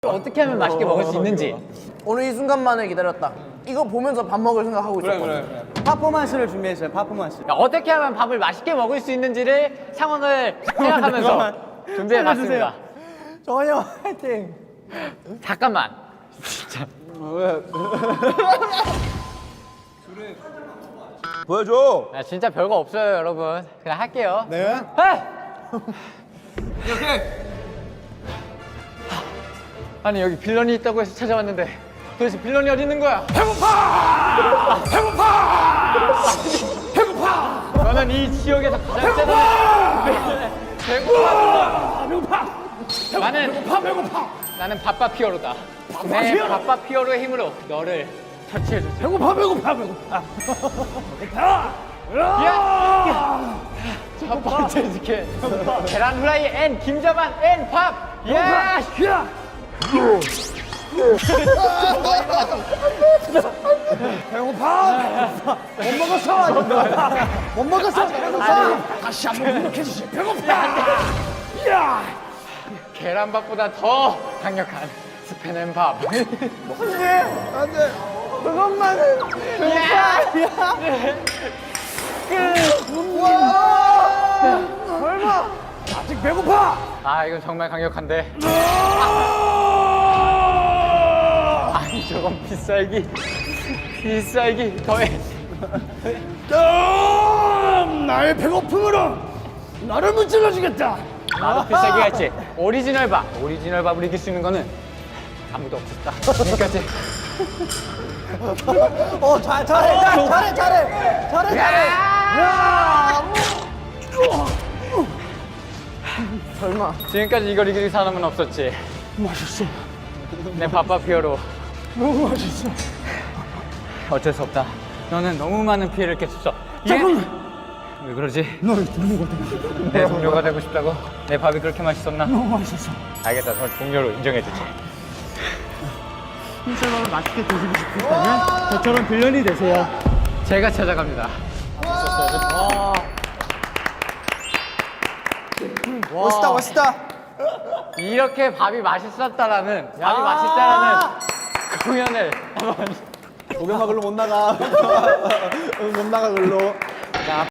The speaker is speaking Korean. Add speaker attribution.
Speaker 1: 어떻게 하면 맛있게 먹을 수 있는지.
Speaker 2: 오늘 이 순간만을 기다렸다. 이거 보면서 밥 먹을 생각하고 있었거든.
Speaker 3: 퍼포먼스를 준비했어요. 퍼포먼스.
Speaker 1: 어떻게 하면 밥을 맛있게 먹을 수 있는지를 상황을 생각하면서 준비해봤습니다.
Speaker 3: 정환이 형 화이팅.
Speaker 1: 잠깐만. 진짜.
Speaker 4: 보여줘.
Speaker 1: 야, 진짜 별거 없어요, 여러분. 그냥 할게요.
Speaker 3: 네.
Speaker 1: 이렇게. 아니 여기 빌런이 있다고 해서 찾아왔는데 도대체 빌런이 어디 있는 거야? 배고파! 너는 이 지역에서 가장 세다. 배고파! 나는 바빠피어로다. 내 바빠피어로의 힘으로 너를 처치해줄게. 배고파! 야! 첫 번째 스킬. 계란 후라이 앤 김자반 앤 밥. 야!
Speaker 3: 못 먹었어.
Speaker 2: 다시 한번 노력해주시. 배고파.
Speaker 1: 계란밥보다 더 강력한 스팸 앤 밥.
Speaker 3: 안돼. 그것만은. 설마. 아직 배고파.
Speaker 1: 아 이건 정말 강력한데. 아니 저건 비쌀기 더해.
Speaker 3: 나의 배고픔으로 나를 문질러주겠다.
Speaker 1: 나도 비싸게 할지. 오리지널 밥을 이길 수 있는 거는 아무도 없었다. 여기까지.
Speaker 3: 잘해.
Speaker 2: 설마.
Speaker 1: 지금까지 이걸 이길 사람은 없었지.
Speaker 3: 맛있어.
Speaker 1: 내 바빠피어로.
Speaker 3: 너무 맛있어.
Speaker 1: 어쩔 수 없다. 너는 너무 많은 피해를 끼쳤어.
Speaker 3: 잠깐만.
Speaker 1: 왜 그러지?
Speaker 3: 너의 동료가 되고
Speaker 1: 내 동료가 되고 싶다고? 내 밥이 그렇게 맛있었나?
Speaker 3: 너무 맛있었어.
Speaker 1: 알겠다. 널 동료로 인정해주지.
Speaker 3: 흰쌀밥을 맛있게 드시고 싶다면 저처럼 빌런이 되세요.
Speaker 1: 제가 찾아갑니다.
Speaker 3: 멋있다.
Speaker 1: 이렇게 밥이 맛있었다라는 공연을 한번
Speaker 3: 고경마 글로 못 나가. 못 나가 글로.